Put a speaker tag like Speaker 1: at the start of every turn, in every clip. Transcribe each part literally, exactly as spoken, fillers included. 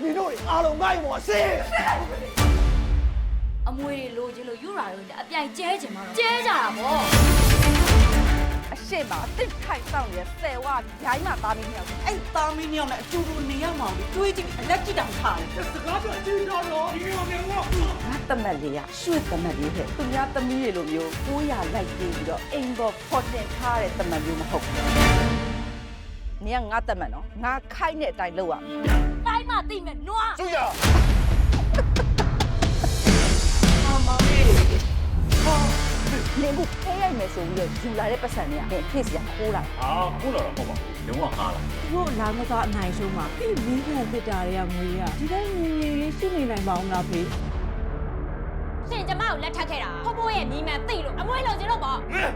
Speaker 1: 你တို့အားလုံးမိုက်မော်စေ
Speaker 2: အမွေတွေလိုချင်လို့ယူရာတို့အပြိုင်ကျဲချင်မှာတော့ကျဲကြတာပေါ့
Speaker 3: အရှိမအစ်ထိုင်ဆောင်ရဆယ်ဝဂျိုင်းမှာသားမင်းမြောက်အဲ့သားမင်းမြောက်နဲ့အကျူတူနေရမှာတွေးကြည့်အလက်ကြည့်တောင်ထားတယ်စကားပြောအကျူတော်တော့ဒီလိုမျိုးငါတမက်လေးရရွှေ့တမက်လေးဟဲ့သူများသမီးတွေလိုမျိုးကိုးရလိုက်ပြီးတော့အိမ်ပေါ်ဖော်တင်ထားတဲ့တမက်မျိုးမဟုတ်ဘူးနင်ကငါတမက်နော်ငါခိုက်တဲ့အတိုင်းလုပ်ရမယ်
Speaker 2: တိုင်းမှသိမယ်နွား
Speaker 1: ကျူရ
Speaker 3: နေဘူးခဲရိုက်မယ်ဆိုပြီးတော့ယူလာတဲ့ပတ်စံတွေကဖေ့စီကခိုးလာ
Speaker 4: ဟာခိုးလာတော့မဟုတ်ပါဘူးလုံးဝအားလာ
Speaker 5: တို့လာမသားအနိုင်ဆုံးမှာဒီမီးခံတစ်တာတွေကငွေရဒီတိုင်းငွေရည်ရှိနေနိုင်ပါအောင်လားဖေး
Speaker 2: ရှင်ကျမကိုလက်ထပ်ခဲ့တာဖိုးဖိုးရဲ့မိမှန်သိလို့အမွေလိုချင်လို့ပေါ့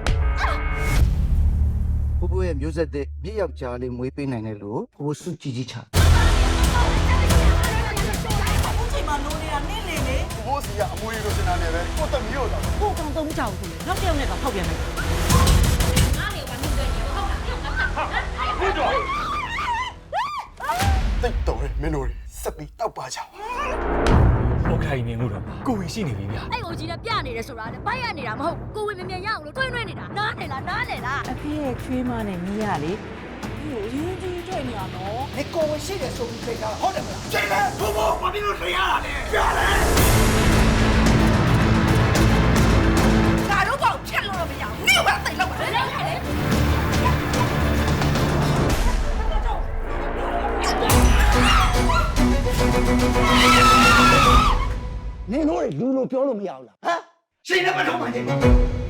Speaker 1: ဖိုးဖိုးရဲ့မျိုးဆက်တဲ့မြစ်ယောက်ကြားလေးမွေးပေးနိုင်တယ်လို့ဖိုးစုကြည်ကြီးချဘိုးစီကအမွေလိုချင်တာနဲ့ပဲကိုတမီးတို့တော့
Speaker 5: ကိုကောင်သုံးကြောက်ဆိုလေနောက်တစ်ယောက်နဲ့ကဖောက်ပြန်လိုက်
Speaker 2: ငါ့လေဘာမှမတွေ့ဘူးဟုတ်လားပြုတ်ငါဆက်
Speaker 4: ဟုတ်တော့
Speaker 1: တိတ်တော်မင်းတို့စက်ပြီးတောက်ပါကြ
Speaker 4: โอเคနေလို့တော့ကိုဝင်ရှိနေပြီဗျ
Speaker 2: အဲ့ကိုကြီးနဲ့ပြနေတယ်ဆိုတာလေဘိုက်ရနေတာမဟုတ်ကိုဝင်မြန်မြန်ရအောင်လို့တွင်းတွင်းနေတာနားနေလားနားနေလား
Speaker 5: အဖေရဲ့ချွေးမနဲ့မီးရလေဒီလိုရင်းကြီးတွေ့နေရနော်
Speaker 1: 你跟我写的说不对的，好的不啦？这个婆婆把你都谁呀嘞？别来！
Speaker 3: ငါတို့ကောင်ချက်လို့တော့မရဘူးနေဘာသိလောက်ပါလဲ
Speaker 1: 你တို့လူလိုပြောလို့မရဘူးလားဟမ်ရှင်လည်းမလုပ်ပါနဲ့